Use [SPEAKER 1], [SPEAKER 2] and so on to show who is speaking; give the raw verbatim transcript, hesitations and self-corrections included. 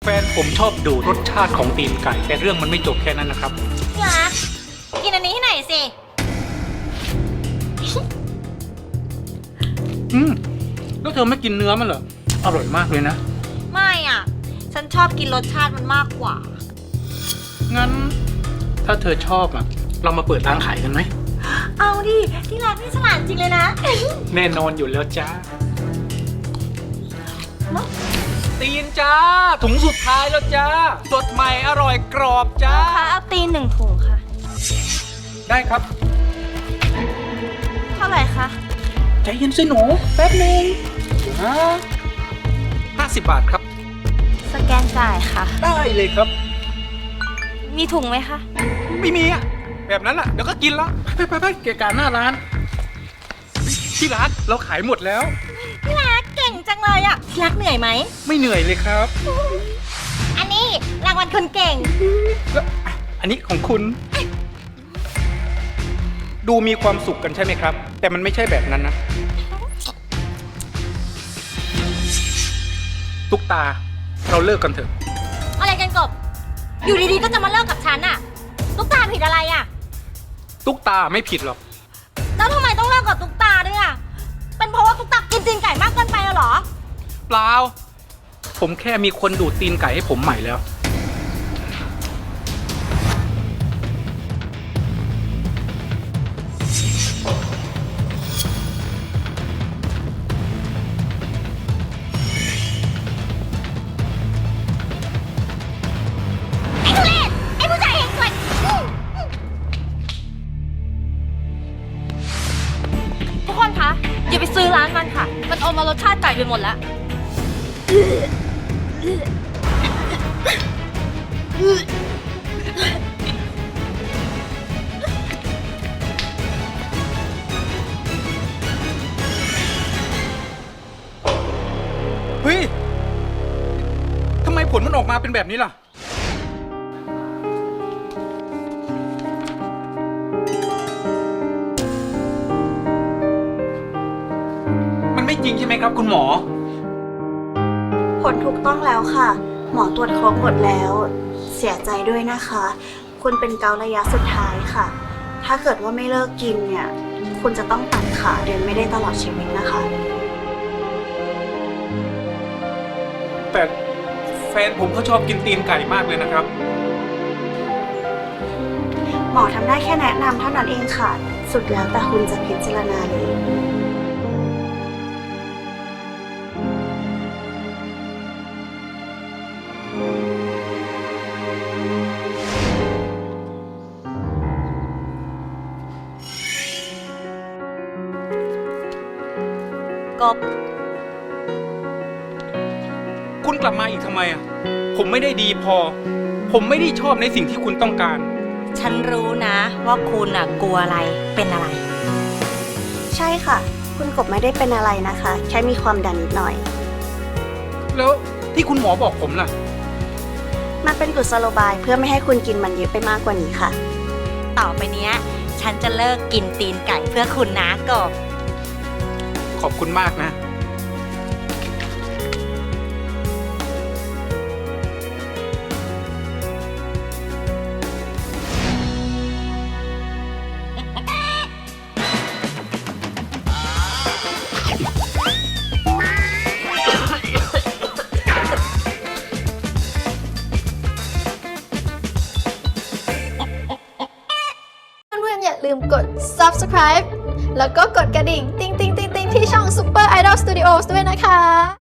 [SPEAKER 1] แฟนผมชอบดูรสชาติของตีนไก่แต่เรื่องมันไม่จบแค่นั้นนะครับ
[SPEAKER 2] พี่รักกินอันนี้ให้หน่อยสิ
[SPEAKER 1] อืมแล้วเธอไม่กินเนื้อมันเหรออร่อยมากเลยนะ
[SPEAKER 2] ไม่อ่ะฉันชอบกินรสชาติมันมากกว่า
[SPEAKER 1] งั้นถ้าเธอชอบอ่ะเรามาเปิดร้านขายกันไหม
[SPEAKER 2] เอาดิที่รักนี่ฉลาดจริงเลยนะ
[SPEAKER 1] แน่นอนอยู่แล้วจ้าตีนจ้าถุงสุดท้ายแล้วจ้าสดใหม่อร่อยกรอบจ้า
[SPEAKER 2] ค่ะเอาตีนหนึ่งถุงค่ะ
[SPEAKER 1] ได้ครับ
[SPEAKER 2] เท่าไหร่คะ
[SPEAKER 1] ใจเย็นสิหนูแป๊บนึงฮะห้าสิบบาทครับ
[SPEAKER 2] สแกนจ่ายค่ะ
[SPEAKER 1] ได้เลยครับ
[SPEAKER 2] มีถุงไหมคะ
[SPEAKER 1] ไม่มีอ่ะแบบนั้นอ่ะเดี๋ยวก็กินแล้วไปไปไปเกะกะหน้าร้านที่ร้านเราขายหมดแล้ว
[SPEAKER 2] พี่รักเก่งจังเลยอ่ะพี่รักเหนื่อยไหม
[SPEAKER 1] ไม่เหนื่อยเลยครับ
[SPEAKER 2] อันนี้รางวัลคนเก่ง
[SPEAKER 1] แล้วอันนี้ของคุณดูมีความสุขกันใช่ไหมครับแต่มันไม่ใช่แบบนั้นนะตุ๊กตาเราเลิกกันเถอะ
[SPEAKER 2] อะไรกันกบอยู่ดีๆก็จะมาเลิกกับฉันอ่ะตุ๊กตาผิดอะไรอ่ะ
[SPEAKER 1] ตุ๊กตาไม่ผิดหรอก
[SPEAKER 2] แล้วทำไมต้องเลิกกับตุ๊กตาด้วยอ่ะเป็นเพราะว่าตุ๊กตากินตีนไก่มากเกินไปเหรอ
[SPEAKER 1] เปล่าผมแค่มีคนดูดตีนไก่ให้ผมใหม่แล้ว
[SPEAKER 2] ทุกคนคะอย่าไปซื้อร้านมันค่ะมันอมมารสชาติไก่ไปหมดแล้ว
[SPEAKER 1] เฮ้ยทำไมผลมันออกมาเป็นแบบนี้ล่ะจริงใช่ไหมครับคุณหมอ
[SPEAKER 3] ผลถูกต้องแล้วค่ะหมอตรวจครบหมดแล้วเสียใจด้วยนะคะคุณเป็นเกาต์ระยะสุดท้ายค่ะถ้าเกิดว่าไม่เลิกกินเนี่ยคุณจะต้องตัดขาเดินไม่ได้ตลอดชีวิตนะคะ
[SPEAKER 1] แต่แฟนผมเขาชอบกินตีนไก่มากเลยนะครับ
[SPEAKER 3] หมอทำได้แค่แนะนำเท่านั้นเองค่ะสุดแล้วแต่คุณจะพิจารณาเลย
[SPEAKER 2] กบ
[SPEAKER 1] คุณกลับมาอีกทำไมอ่ะผมไม่ได้ดีพอผมไม่ได้ชอบในสิ่งที่คุณต้องการ
[SPEAKER 2] ฉันรู้นะว่าคุณอ่ะกลัวอะไรเป็นอะไร
[SPEAKER 3] ใช่ค่ะคุณกบไม่ได้เป็นอะไรนะคะแค่มีความดันนิดหน่อย
[SPEAKER 1] แล้วที่คุณหมอบอกผมล่ะ
[SPEAKER 3] มันเป็นกุศโลบายเพื่อไม่ให้คุณกินมันเยอะไปมากกว่านี้ค่ะ
[SPEAKER 2] ต่อไปเนี้ยฉันจะเลิกกินตีนไก่เพื่อคุณนะกบ
[SPEAKER 1] ขอบคุณมากนะ
[SPEAKER 4] อย่าลืมกด ซับสไครบ์ แล้วก็กดกระดิ่ง ติ๊งติ๊งติ๊งติ๊งที่ช่อง Super Idol Studios ด้วยนะคะ